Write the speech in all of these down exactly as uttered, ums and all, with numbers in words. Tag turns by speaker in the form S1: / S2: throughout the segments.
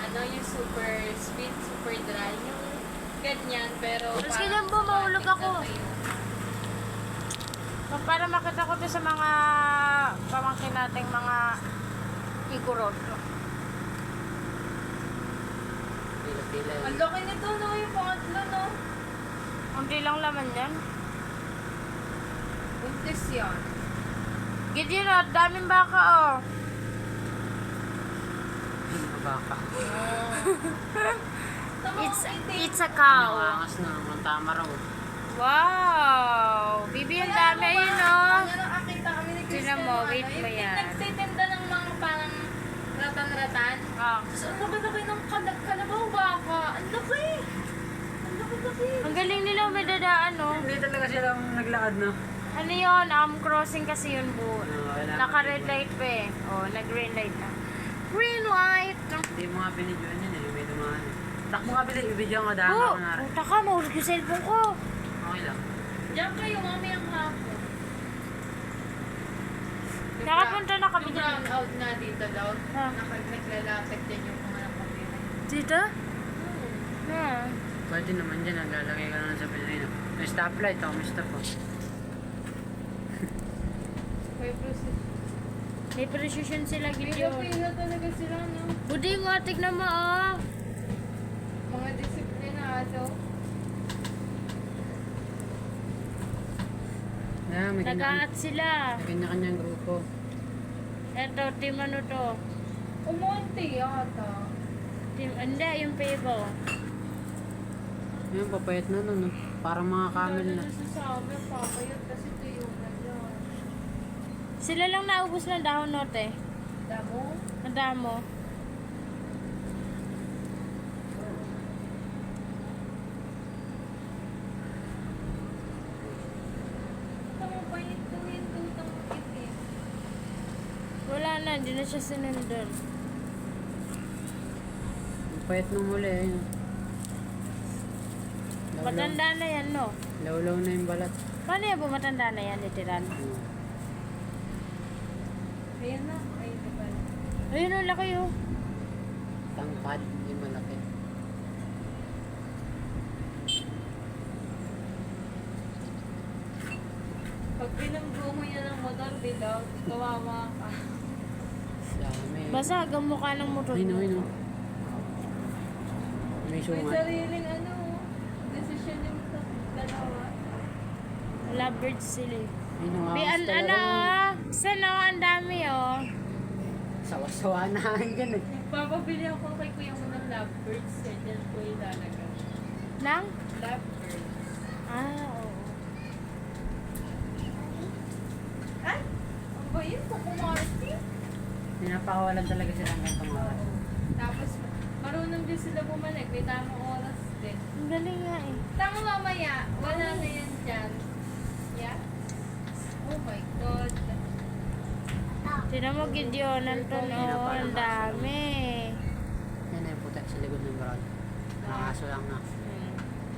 S1: ano, yung super sweet, super dry, yung ganyan, pero
S2: Mas ganyan po, mahulog ako. Para makita ko to sa mga pamangkin nating mga igurot.
S3: Pila-pila.
S1: Ang laki nito, no? Yung pangatlo, no?
S2: Hindi lang laman yan.
S1: Buntis yan.
S2: Gideon, oh, daming baka, oh.
S3: Baka.
S2: It's, it's a cow.
S3: Nangangas na. Ang tama raw.
S2: Wow! Bibi, ang dami, ayun, oh.
S1: Ano nakakita kami ni Kristen?
S2: Tingnan mo, wait mo
S1: Yung
S2: yan.
S1: nagtitinda ng mga parang ratan-ratan.
S2: Ah.
S1: So, ang laki-laki ng kal- kalabaw baka. Ang laki! Ang laki-laki!
S2: Ang galing nila, may dadaan, oh.
S3: Hindi talaga silang naglakad, no?
S2: Ano yun? Um, crossing kasi yun, bu.
S3: Oo, wala.
S2: Naka-red light pa eh. Oh, nag-green light na. Green light!
S3: Hindi mo nga binidyoan yun eh. May dumaan eh. Takbo nga bilis. Ibidyoan ko dahil
S2: Oh,
S3: ako na rin.
S2: puta ka, mahulog yung cellphone ko.
S3: Okay lang.
S1: Diyan kayo, mamayang hapon.
S2: Nakapunta na kami
S1: Yung
S2: dyan.
S1: brown out na dito daw.
S2: Ha?
S1: Nakag naglalapit din yung mga nakapira.
S2: Dito? Ha?
S3: Pwede naman dyan. Naglalagay ka naman sa pinay. May stoplight. Oh, may stop. Oh.
S1: May process.
S2: May precision sila, Gideon.
S1: Pila-pila talaga sila, no?
S2: Budi mo, tignan mo, oh.
S1: Mga disiplinado.
S3: Yeah, may
S2: Nag-aat
S3: kanya-
S2: sila.
S3: may kanya-kanyang grupo.
S2: Eto, team ano to?
S1: Umunti yata.
S2: Team, hindi, yung Pebo.
S3: Ayun, papayat na nun. No? Parang mga camel na.
S1: Nasasabi, papayot kasi tuyo na yan.
S2: Sila lang naubos ng dahon note.
S1: Damo?
S2: Ang damo.
S1: Tama pa yung tuwin, tutang itim.
S2: Wala na, hindi na siya sinundan.
S3: Papayat nung muli. Ayun. Lawlaw.
S2: Matanda na yan, no?
S3: Lawlaw na yung balat.
S2: Paano yan po matanda na yan, literal?
S3: Hmm.
S1: Ayan na. Ay, di ba?
S2: Ayun, ang laki, oh.
S3: Tangkad. Hindi malaki.
S1: Pag pinanggo mo yan ng motor, dilaw, kawawa ka.
S3: Dami.
S2: Basa, hanggang mukha ng motor.
S3: Ayun, ayun. oh. May
S1: May
S3: sungat.
S1: sariling ano, desisyon yung tat- dalawa.
S2: Lovebirds sila. eh.
S3: Ayun, ang
S2: Bi,
S3: angas
S2: an,
S3: talaga.
S2: ano, oh. Sana, oh, ang dami, oh.
S3: Sawa-sawa na. Yan eh.
S1: Papabili ako kay kuya mo ng lovebirds, eh, dyan ko ilalagay.
S2: Nang?
S1: Lovebirds.
S2: Ah, oo.
S1: Ay! Ang ba yun? Kukumarti?
S3: Pinapakawalan talaga sila ng gantong oras.
S1: Tapos, marunong din sila bumalik. May tamang oras din.
S2: Ang galing nga, eh.
S1: Tama mamaya, wala na yan dyan. Yeah? Oh my God.
S2: Tinan mo, Gideon, nandun, oh, ang dami.
S3: Yan ay putek sa likod ng brown. Nakaso lang na.
S2: Hmm.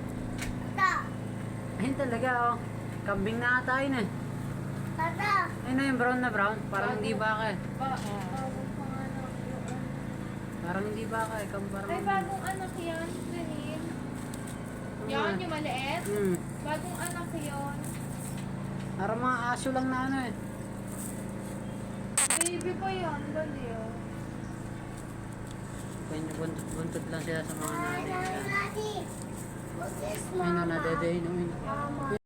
S3: Ayun talaga oh. Kambing na ata yun eh. Ayun na yung brown na brown. Parang hindi baka eh.
S1: Ba, bagong panganak yun.
S3: Parang hindi baka eh. Kam parang...
S1: Ay, bagong anak yan, Rahim. Yan, yung maliit.
S3: Hmm.
S1: Bagong anak yun.
S3: Parang mga aso lang na ano eh.
S1: Baby pa yan, dali oh.
S3: Kanya buntot-buntot lang sila sa mga nanay. Ayun na, nadede yun.